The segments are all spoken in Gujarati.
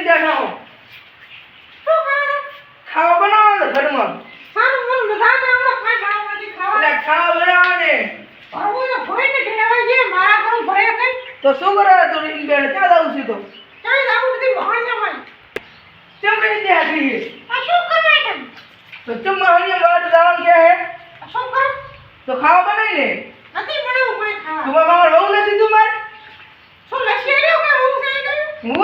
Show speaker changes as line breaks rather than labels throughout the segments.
બેઠા હું ખાવા બનાવો ઘરમાં
સારું બોલ બધાને હમણાં કાઈ ખાવામાંથી ખાવા
એટલે ખાવા બનાવવાને
આવો ભોઈને કહેવાય છે મારા ઘર ભરે કઈ
તો શું કરે તું રીન બેડ ક્યાં જાવ છે તો
કઈ જાવું નથી મહાણિયામાં
કેમ કરી દે આખી
આ શું કરે કેમ
તો તું મહાણિયા વાડ જવાનું કે હે
આ શું કર
તો ખાવા બનાવી ને
નથી બનાવું કોઈ ખાવા
તું માર બહુ નથી તું માર
શું લસી રહ્યો કે હું થઈ ગયું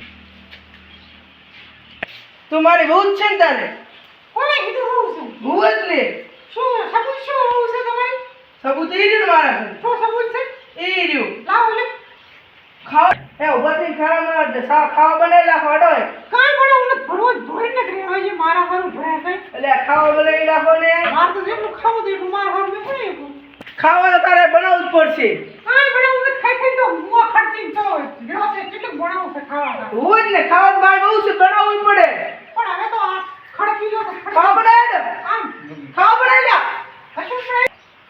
તું મારી બહુ જ છે ને તારે
કોને કીધું હું છું
બહુ જ ને
શું સબૂત શું હું છે તમારી
સબૂત એ રહ્યું મારા ઘરે.
શું સબૂત છે
એ રહ્યું
લાવો લે
ખાવા એ ઉભા થઈને ખાવા બનાવેલા ખાડો હે
કાઈ બનાવું નથી ભરવો ભરીને કહેવાય છે મારા ઘર ભરે કઈ
એટલે આ ખાવા બનાવી નાખો ને
માર તો જેટલું ખાવું તો એટલું મારા ઘર મેં પડે
ખાવા તો તારે બનાવવું જ પડશે
કાઈ બનાવું નથી ખાઈ ખાઈ તો મુआ ખર્ચી તો ગયો છે કેટલું બનાવું છે ખાવા
હોય જ ને ખાવા બાર બહુ છે બનાવવું જ પડે
પણ હવે તો આ ખડકી ગયો તો
ખાવા બનાવે ને
આમ
ખાવા બનાવી લ્યા
કશું નહીં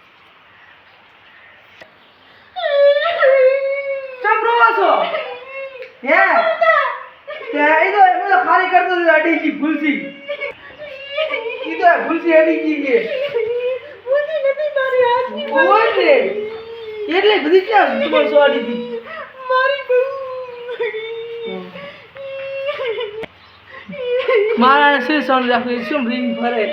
ચમ રોવો છો હે તે એ તો ખાલી કરતો હતો અડી ગઈ ભૂલસી ઈ તો ભૂલસી અડી ગઈ કે
બુદ્ધિ નથી મારી હાથની
હોય ને એટલે બધી ક્યાં તમારે સો અડી હતી
મારી બહુ
મારા શું સોન રાખી શું રીંગ ફરે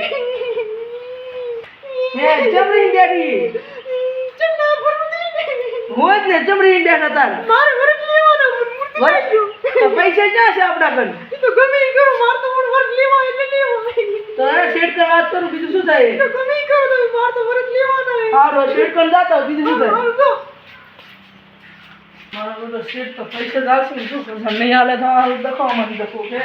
હે ચમરી બેઠી
ચમના ભરું દે
હોય જ ને ચમરી બેઠા તાર
મારે વર્ગ લેવાનો મૂર્તિ
તો પૈસા ક્યાં છે આપણા ઘર
એ તો ગમે ઈ કરો માર તો પણ વર્ગ લેવા એટલે લેવો
તો હવે શેઠ ને વાત કરું બીજું શું થાય
તો ગમે ઈ કરો તો માર તો વર્ગ લેવાનો હે
હારો શેઠ પણ જાતો બીજું શું થાય
હારું તો
મારો બધો શેઠ તો પૈસા જ આવશે ને શું કરશે નહીં હાલે તો હાલ દખવામાં દખો કે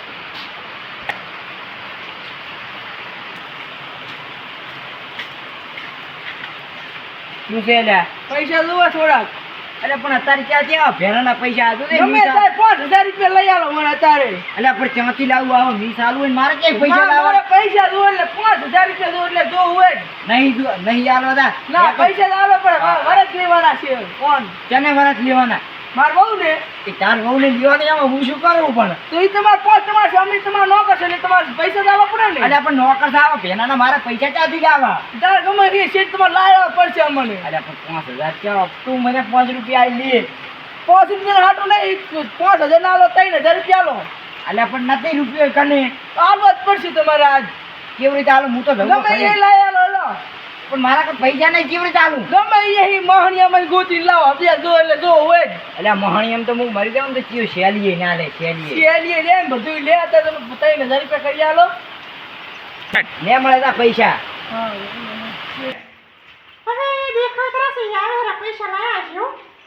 શું છે લ્યા?
પૈસા જોવા થોડાક
અરે પણ અત્યારે ક્યાં ત્યાં ભેરાના પૈસા આજો ને
ગમે તારે 5000 રૂપિયા લઈ આલો મને અત્યારે
અલ્યા પણ ત્યાંથી લાવું આવો મીસ આલુ હોય ને મારે ક્યાંય પૈસા
મારે
લાવવા
પૈસા જો એટલે 5000 રૂપિયા જો એટલે જો હોય જ.
નહીં આલો દા
ના પૈસા તો આવે પણ વરસ લેવાના છે કોણ
ચને વરસ લેવાના
માર બહુ ને
એ તાર વહુને લેવાની આમાં હું શું કરું પણ
તો એ તમારે પોત તમારે સ્વામી તમારે ન કરશે એટલે તમારે પૈસા તો આવવા પડે ને
અલ્યા પણ નોકર થાવ ભેનાના મારા પૈસા ક્યાંથી લાવવા
તારે ગમે તે શેઠ તમારે લાવવા પડશે અમને
અલ્યા પણ 5000 ક્યાં તું મને 5 રૂપિયા આલી લે
5 રૂપિયા હાટું નહીં 5000 ના લો 3000 રૂપિયા લો
અલ્યા પણ નથી રૂપિયો કને
આવવા જ પડશે તમારે આજ
કેવી રીતે આલું હું તો
ગમે
ધંધો
એ
કરી
લઈ આલો લો
પણ મારા કાંઈ પૈસા નહીં કેવી રીતે આલું
ગમે એ મહણિયામાં ગોતી લાવો અભ્યાસ જો એટલે જો હોય જ
અલ્યા મહાણી એમ તો હું મરી જાઉં તો ચિયો શેલીએ ના લે શેલીએ
શેલીએ લે ને બધું લે તો તમે 3000 રૂપિયા કરી આલો
ને મળે તા પૈસા
હવે દેખાય તરસે આવે પૈસા લાયા છે હો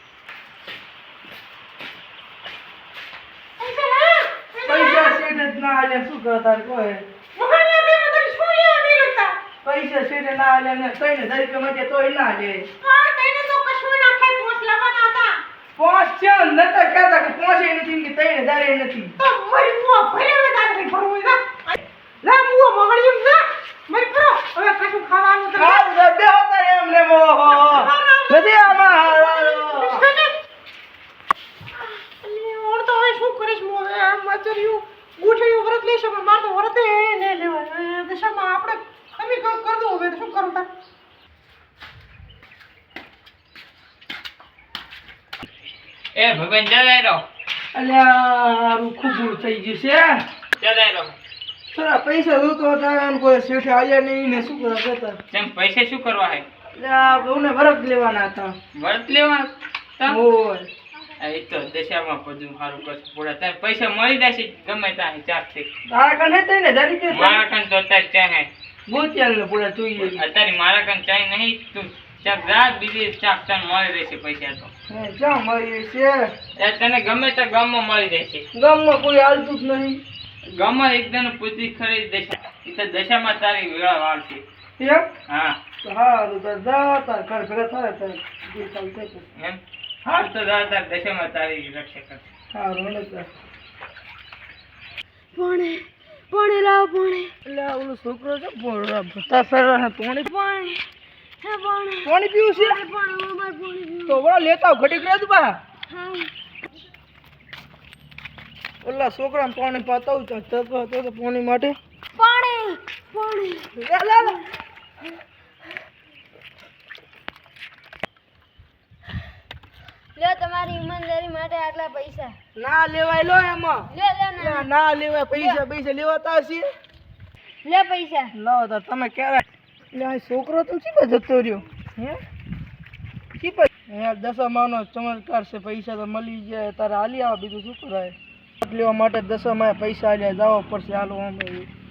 પૈસા લાયા
પૈસા શેઠ જ ના આલે શું કરે તારે કોઈ
મહાણિયા બે મને શું લેવા નહીં લગતા
પૈસા શેઠ ના આલે ને 3000 રૂપિયા માટે તોય ના લે
હા તઈને તો કશું ના ખાય પોસ લાવવાના હતા
5 છે નતા કહેતા કે 5 એ નથી કે 3000 એ નથી
તો મરી મુआ ભલે વધારે કઈ ભરવું ના લા મુआ મગળિયમ જા મરી પરો હવે કશું ખાવાનું તો
ખાવ દે બેહો તારે એમને મોહો નથી આમાં
ઓર તો હવે શું કરીશ મો આ મચર્યું ગૂઠિયું વ્રત લેશે પણ માર તો વ્રત એ ને લેવાય દશામાં આપણે તમે કામ કર દો હવે તો શું કરું તાર
એ ભગવાન જલાઈ રહો
અલ્યા ખૂબ થઈ ગયું છે
જલાઈ રહો
થોડા પૈસા જોતો હતા અને કોઈ શેઠે આયા નહીં ને શું કરવા કહેતા
તેમ પૈસા શું કરવા હે
અલ્યા બહુને બરફ લેવાના હતા
વર્ત લેવા તમ
ઓય
એ તો દશામાં બધું સારું કરશે પૂરા તમે પૈસા મળી જશે ગમે ત્યાં ચાકથી
તારા કને થઈ ને 10 રૂપિયા
મારા કન તો અત્યારે ચાહે
ગોતિયાલ ને પૂરા જોઈએ
અત્યારે મારા કન ચાહે નહીં તું ચાક રાત બીજી ચાક તને મળી રહેશે પૈસા તો
હે ક્યાં મળી છે
એ તને ગમે તો ગામમાં મળી રહેશે
ગામમાં કોઈ હાલતું જ નહીં
ગામમાં એકદમ પૂછી ખરી દશા એ તો દશામાં તારી વેળા વાળશે
એમ
હા
તો હારું તાર જા તાર ઘર ભેગા થાય તાર જે ચાલશે તો
એમ હાલ તો તાર દશામાં તારી રક્ષા કરશે
હારું ને તાર
પાણી લાવ પાણી
એટલે ઓલો છોકરો છે ભતા ફેરવા ને પાણી
પાણી હે પાણી
પાણી પીવું છે
પાણી અમાર પાણી
તો બરો લેતા આવ ઘડીક રહે તું બા
હા
ઓલા છોકરાને પાણી પાતાવું તો પાણી માટે
પાણી પાણી
લે લે લે.
લ્યો તમારી ઈમાનદારી માટે આટલા પૈસા
ના લેવાય લો એમાં
લે
ના લેવાય પૈસા લેવાતા હશે
લે પૈસા
લાવો તો તમે ક્યારે લે આ છોકરો તો ચીપા જતો રહ્યો હે ચીપા હે દશામાનો ચમત્કાર છે પૈસા તો મળી જાય તારે હાલી આવો બીજું શું કરાય લેવા માટે દશામાં પૈસા આલ્યા જવા પડશે હાલો આમ